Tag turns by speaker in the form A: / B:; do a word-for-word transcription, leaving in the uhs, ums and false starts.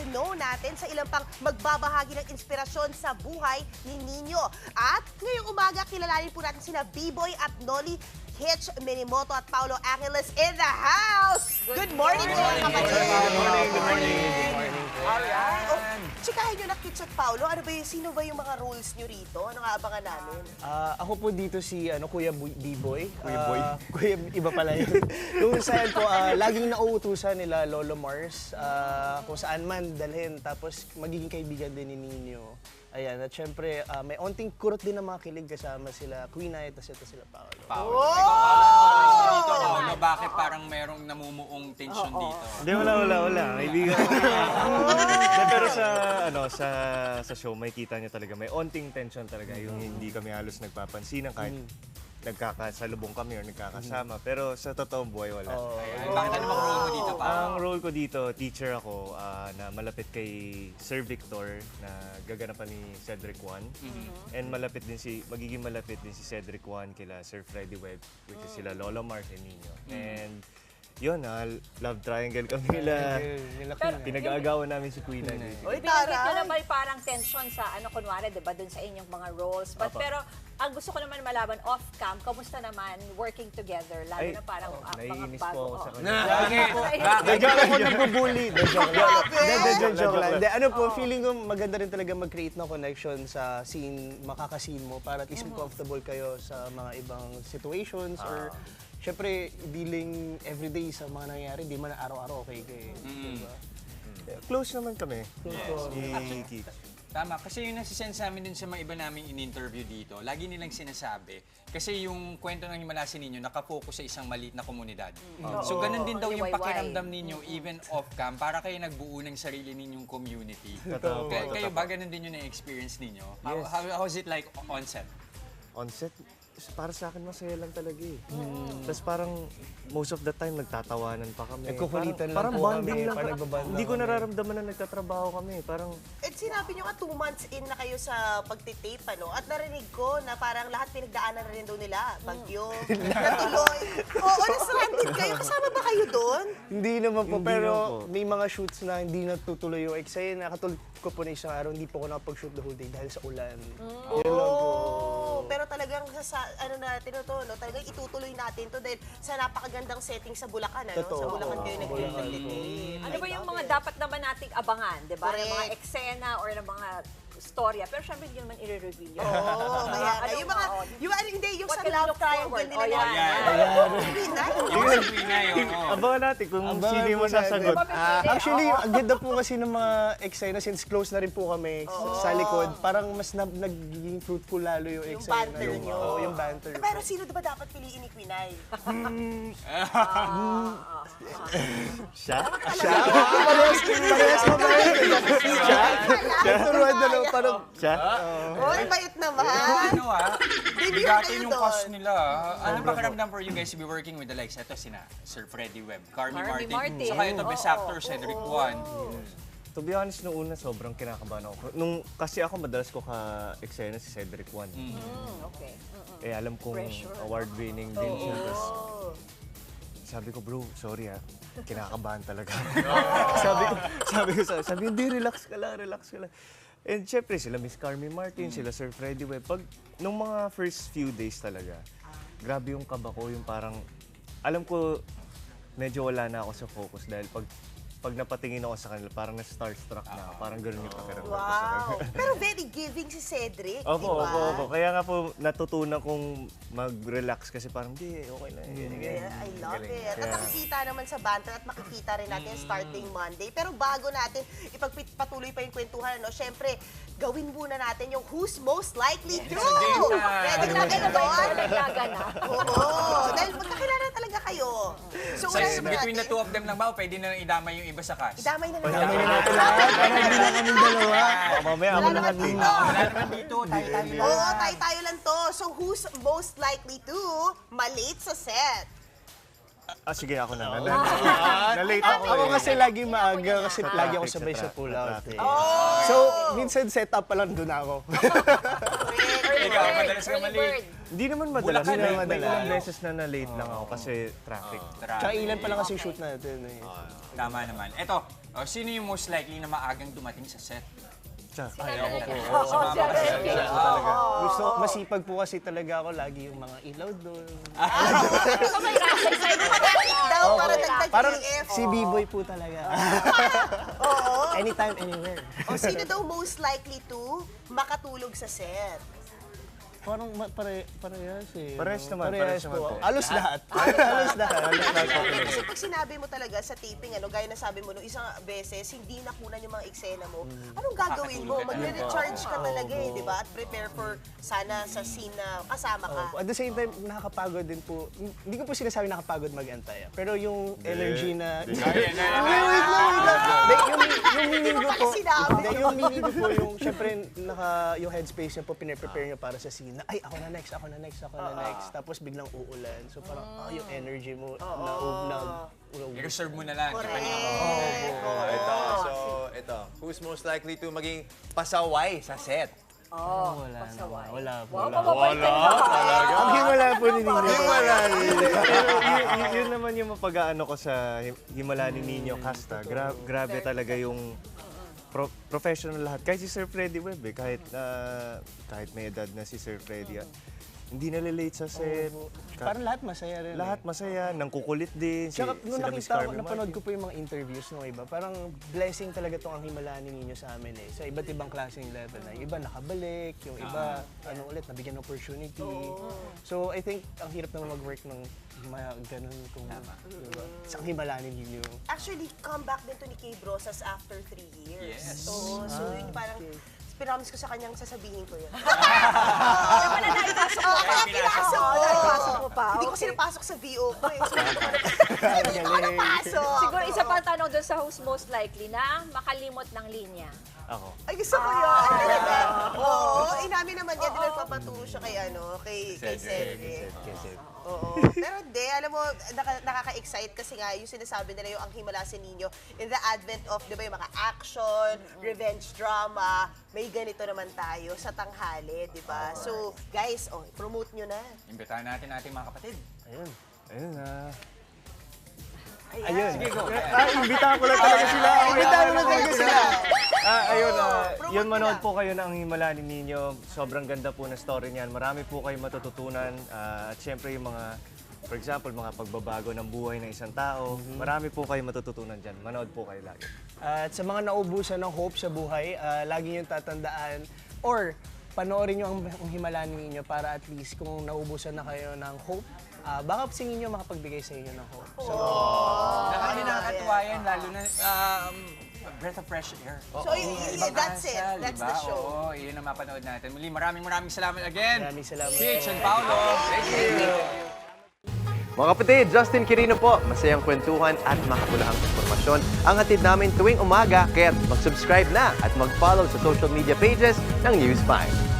A: to know natin sa ilang pang magbabahagi ng inspirasyon sa buhay ni Nino. At ngayong umaga, kilalanin po natin sina B-Boy at Nolly Hitch Minimoto at Paolo Angeles in the house! Good morning, mga kapatid!
B: Good morning, good morning. Good morning.
A: Alright. Oh, tsikahin nyo na, Hitch at Paolo. Ano ba yung, sino ba yung mga roles nyo rito? Ano nga abangan namin?
C: Ah, ako po dito si ano Kuya Bu- B-Boy.
B: Kuya Boy?
C: Ah, Kuya, iba pala yun. Yung sayan po, ah, laging nauutusan nila Lolo Mars ah, kung saan man dalhin. Tapos magiging kaibigan din ni Nino. Ayan, at syempre, ah, may onting kurot din na mga kilig kasama sila Queen Ay, tapos ito sila Paolo.
B: Paolo.
A: Oh!
B: Ikaw, Paolo, dito, Paolo, bakit parang merong namumuong tension dito?
D: Hindi, wala, wala, wala. Kaibigan ko. Hindi, pero sa, ano, sa, sa show, may kita niyo talaga, may onting tension talaga. Yung hindi kami halos nagpapansinan kahit nagkakasalubong kami or nagkakasama. Pero sa totoong buhay, wala.
B: Ay, bakit ano bang role mo dito, Paolo?
D: Ang role ko dito, teacher ako ah, na malapit kay Sir Victor na gaganapan ni Cedric Juan. And malapit din si, magiging malapit din si Cedric Juan kila Sir Freddy Webb, which is sila Lola Mars and Nino. And yun, ah, love triangle kami nila.
C: Nila
E: Pero-
C: Queen Ay.
D: Pinag-aagawan namin si Queen Ay.
A: Oy,
E: Binanggit ko
A: taray!
E: na may parang tension sa ano, kunwari, di ba, dun sa inyong mga roles. But,
D: Apa.
E: pero, ang gusto ko naman malaman, off-cam, kamusta naman working together? Lalo
D: Ay,
E: na parang
D: oh,
E: ah, mga
D: naiinis
E: bago.
D: po ako sa
E: oh.
D: kanya.
B: Bakit? Bakit?
C: Joke ako nagbubully. De, joke lang.
A: Grabe!
C: De, de, de, joke lang.
D: lang.
C: De, ano po, feeling ko maganda rin talaga mag-create ng connection sa scene, makaka-scene mo para at least comfortable kayo sa mga ibang situations or syempre, dealing everyday sa mga nangyayari, di man araw-araw okay kayo. Diba?
D: Close naman kami. Ni Keith.
B: Tama, kasi yung nasisense namin din sa mga iba naming in-interview dito, lagi nilang sinasabi, kasi yung kwento ng Himalasin ninyo, nakafocus sa isang maliit na komunidad. So ganun din daw yung
E: Liwayway.
B: pakiramdam ninyo, even off-cam, para kayo nagbuo ng sarili ninyong community.
D: Totoo po,
B: Kaya, kayo
D: totoo
B: ba ganun din yung na-experience ninyo? How, how, how's it like on set?
D: On set, para sa akin masaya lang talaga eh. Tapos parang most of the time nagtatawanan pa kami.
C: Nagkukulitan lang
D: parang,
C: po
D: parang bonding
C: kami,
D: lang.
C: parang
D: Parang,
C: nagbaband
D: hindi
C: lang
D: ko
C: kami.
D: nararamdaman na nagtatrabaho kami. Parang
A: At sinabi nyo nga, two months in na kayo sa pagtitape, ano? At narinig ko na parang lahat pinagdaanan na rin daw nila. Bagyo, natuloy. Oo, na-stranded kayo. Kasama ba kayo doon?
C: Hindi naman po,
D: Hindi
C: pero
D: naman po.
C: may mga shoots na hindi natutuloy yung eksena. Nakatulog ko po na isang araw, hindi po ako nakapag-shoot the whole day dahil sa ulan. Yun lang po.
A: Oo, pero talagang sa, sa ano natin to, no? Talagang itutuloy natin to dahil sa napakagandang setting sa Bulacan, ano?
C: Totoo.
A: Sa Bulacan kayo
C: Oo,
A: nag-tape.
C: Bulacan.
E: Ano ba yung mga dapat naman nating abangan, di ba? Ng mga
A: Correct.
E: eksena or ng mga storya. Pero syempre, hindi naman i-reveal yun.
A: Oo, kaya nga.
E: Ano
A: Yung mga,
E: oo.
A: yung ano, hindi, yung
E: What
A: sa
E: can we
A: love
E: look
A: triangle
E: forward?
A: nila.
E: Oh,
A: na-
E: yan.
B: Yung sa Pinay, oo.
D: abangan natin kung
C: Abangan
D: sino yung
C: po
D: masasagot.
C: natin.
E: Ah,
C: Actually, ang ganda po kasi ng mga eksena since close na rin po kami sa likod. Parang mas na, nagiging fruitful lalo yung
A: Yung
C: eksena.
A: banter nyo.
C: Oo, yung banter.
A: Pero sino ba dapat piliin ni Queen Ay?
D: Siya?
C: Parehas, parehas mo ba yun? Siya? Turuan na lang, parang
D: Siya?
A: Oy, bait naman.
B: Ano ah,
A: Debut
B: bigatin
A: kayo
B: yung
A: doon.
B: cast nila. ah. Ano ba karamdam for you guys to be working with the likes? Ito sina Sir Freddy Webb, Carmi
E: Carmi
B: Martin,
E: Martin.
B: saka ito best
E: Oo,
B: actor Cedric Juan.
D: To be honest, nung una sobrang kinakabahan ako. Nung, kasi ako madalas ko ka-eksena si Cedric Juan.
E: Mm, okay. Mm-mm.
D: Eh alam kong
E: Pressure.
D: award-winning din siya. Tapos sabi ko, bro, sorry ah. Kinakabahan talaga. sabi ko, sabi ko, sa- sabi ko, hindi, relax ka lang, relax ka lang. And syempre, sila Miss Carmi Martin, sila Sir Freddy Webb. Pag, nung mga first few days talaga, grabe yung kaba ko, yung parang, alam ko, medyo wala na ako sa focus dahil pag, pag napatingin ako sa kanila, parang na-starstruck na ako. Parang ganun yung pakiramdam ko sa kanila.
A: Wow. Pero very giving si Cedric, di
D: Opo,
A: ba?
D: opo, opo. Kaya nga po natutunan kong mag-relax kasi parang, di, okay na. Ganyan, ganyan.
A: Yeah, I love
D: Galing.
A: it. At
D: Kaya-
A: nakikita naman sa banter at makikita rin natin starting Monday. Pero bago natin ipagpatuloy pa yung kwentuhan, no? Syempre, gawin muna natin yung who's most likely to.
B: game time.
A: Ready na kayo
E: Ano ba
A: doon?
E: yung naglaganap?
A: Oo. Dahil magkakilala talaga kayo. So,
B: So,
A: unahin muna
B: between the
A: natin.
B: two of them lang ba, o pwede na lang idamay yung iba sa cast?
A: Idamay na natin.
C: Damay na natin lahat. Parang hindi na kaming dalawa.
D: Baka mamaya ako
A: Wala
D: lahat
A: naman
D: eh.
A: dito.
B: Wala naman dito, tayo-tayo lang.
A: Oo, tayo-tayo lang to. So, who's most likely to malate sa set?
D: Ah, sige, ako na. Na- Na-late ako
C: Ako
D: eh.
C: kasi lagi maaga kasi
D: Sa
C: lagi ako
D: traffic,
C: sabay
D: sa
C: sa
D: tra-
C: pull
D: sa
C: out.
D: traffic.
C: Eh. So, minsan set up pa lang doon ako.
E: Early
B: Ikaw,
E: bird.
B: madalas ka
E: Early
B: mali.
E: bird.
D: Hindi naman madalas.
B: Bulacan,
D: May,
C: eh.
D: may ilang
B: Bulacan.
D: beses na na-late lang ako kasi traffic.
C: Tsaka ilan pa lang kasi shoot natin eh.
B: Tama naman. Eto, oh, sino yung most likely na maagang dumating sa set?
D: Tsaka,
C: Ay, ako po.
E: Oo,
B: Sumama
E: siya
B: ka sa
E: rin.
B: set.
C: Gusto, masipag po kasi talaga ako lagi yung mga ilaw doon.
E: So may rasay sa'yo na
A: Daw, para dagdag
C: Parang
A: E F.
C: si B-boy po talaga. Anytime, anywhere.
A: O sino daw most likely to makatulog sa set?
C: Parang ma- pare, parehas eh.
D: Parehas
C: no?
D: naman, parehas naman
C: po.
D: po.
C: Alos lahat. Alos lahat.
D: Halos lahat po pinag-
A: Kasi pag sinabi mo talaga sa taping, ano, gaya na sabi mo, nung isang beses, hindi nakunan yung mga eksena mo, anong gagawin mo?
B: Kakatulog ka
A: Magre-recharge ka talaga eh, di ba? At prepare for sana sa scene na kasama ka.
C: Opo. At the same time, nakakapagod din po. Hindi ko po sinasabi nakakapagod mag-antay. ah. Pero yung energy na...
B: Ayan, ayan,
C: Wait,
B: ayan.
C: wait lang, wait lang. Hindi, yung, yung meaning ko po,
A: sinabi?
C: hindi, yung meaning ko po, yung, syempre, naka, yung headspace niya po, pinare-prepare niya para sa scene na, ay, ako na next, ako na next, ako na next. Tapos biglang uulan. So parang, ah, yung energy mo, na, na,
B: I-reserve mo na lang.
A: Correct.
B: Ipahinga mo.
F: Oh, ito. So, ito. Who's most likely to maging pasaway sa set?
E: Oh,
C: wala
E: pasaway.
C: naman, wala po.
E: Wow,
C: Wala.
E: mababait ka naman.
C: Ang himala po ni Nino.
F: Wala.
D: Pero yun, yun, yun naman yung mapag-aano ko sa Him- Himala ni Nino Casta. Gra- grabe talaga yung pro- professional lahat. Kahit si Sir Freddy Webb eh, kahit, ah, kahit may edad na si Sir Freddy, ah, hindi nalilate sa set. Ka-
C: Parang lahat masaya rin.
D: lahat
C: eh.
D: masaya, nang kukulit din. Si,
C: Tsaka nung
D: sila Miss
C: nakita ko,
D: Carmen
C: napanood
D: Martin.
C: ko po yung mga interviews ng iba, parang blessing talaga itong ang himalaan ninyo sa amin eh. Sa iba't ibang klaseng level na. Yung iba nakabalik, yung iba, ano ulit, nabigyan ng opportunity. So I think ang hirap naman mag-work ng mga ganun kung diba? Sa himalaan ninyo.
A: Actually, comeback din to ni Kay Brosas after three years.
B: Yes.
A: Oo, so yun parang, pinamis ko sa kanyang sasabihin ko yun.
E: Ano pa na naipasok mo?
B: Kaya pinasok
E: Oo, naipasok mo pa.
A: Hindi ko
E: Okay.
A: sinapasok sa V O ko eh. So, hindi ko napasok.
E: Siguro isa pang tanong doon sa who's most likely na makalimot ng linya.
D: Ako.
A: Ay, gusto ko yun. Talaga. Oo, inamin naman niya. Din nagpapaturo siya kay, ano, kay, kay Cedric. Oo. Pero hindi, alam mo, naka, nakaka-excite kasi nga yung sinasabi nila yung ang himala sa ninyo in the advent of, di ba, yung mga action, revenge drama, may ganito naman tayo sa tanghali, di ba? So, guys, oh, promote nyo na.
B: Imbitahan natin ating mga kapatid.
C: Ayun.
D: Ayun na.
C: Ayun.
B: Sige, go.
D: Ah, imbitahan ko lang talaga sila.
C: Imbitahan mo lang talaga sila.
D: Ah, ayun, ah,
A: promote
D: yun
A: mo
D: manood
A: na.
D: po kayo ng Himala ni Nino. Sobrang ganda po ng story niyan. Marami po kayo matututunan. Ah, at syempre yung mga, for example, mga pagbabago ng buhay ng isang tao. Marami po kayo matututunan dyan. Manood po kayo lagi.
C: At sa mga naubusan ng hope sa buhay, ah, lagi niyong tatandaan or panoorin niyo ang, ang himalaan ninyo para at least kung naubusan na kayo ng hope, ah, baka singin niyo makapagbigay sa inyo ng hope. So,
B: Nakakami nakakatuwa yan, lalo na um, a breath of fresh air.
A: So, y- y-
B: Ibang
A: that's it.
B: asal,
A: That's
B: diba?
A: the show.
B: Oo, yun ang mapanood natin. Muli, maraming maraming salamat again.
C: Maraming salamat.
B: Kitch and Paolo. Thank you.
F: Mga kapatid, Justin Quirino po. Masayang kwentuhan at makapulahang informasyon ang hatid namin tuwing umaga. Kaya mag-subscribe na at mag-follow sa social media pages ng News five.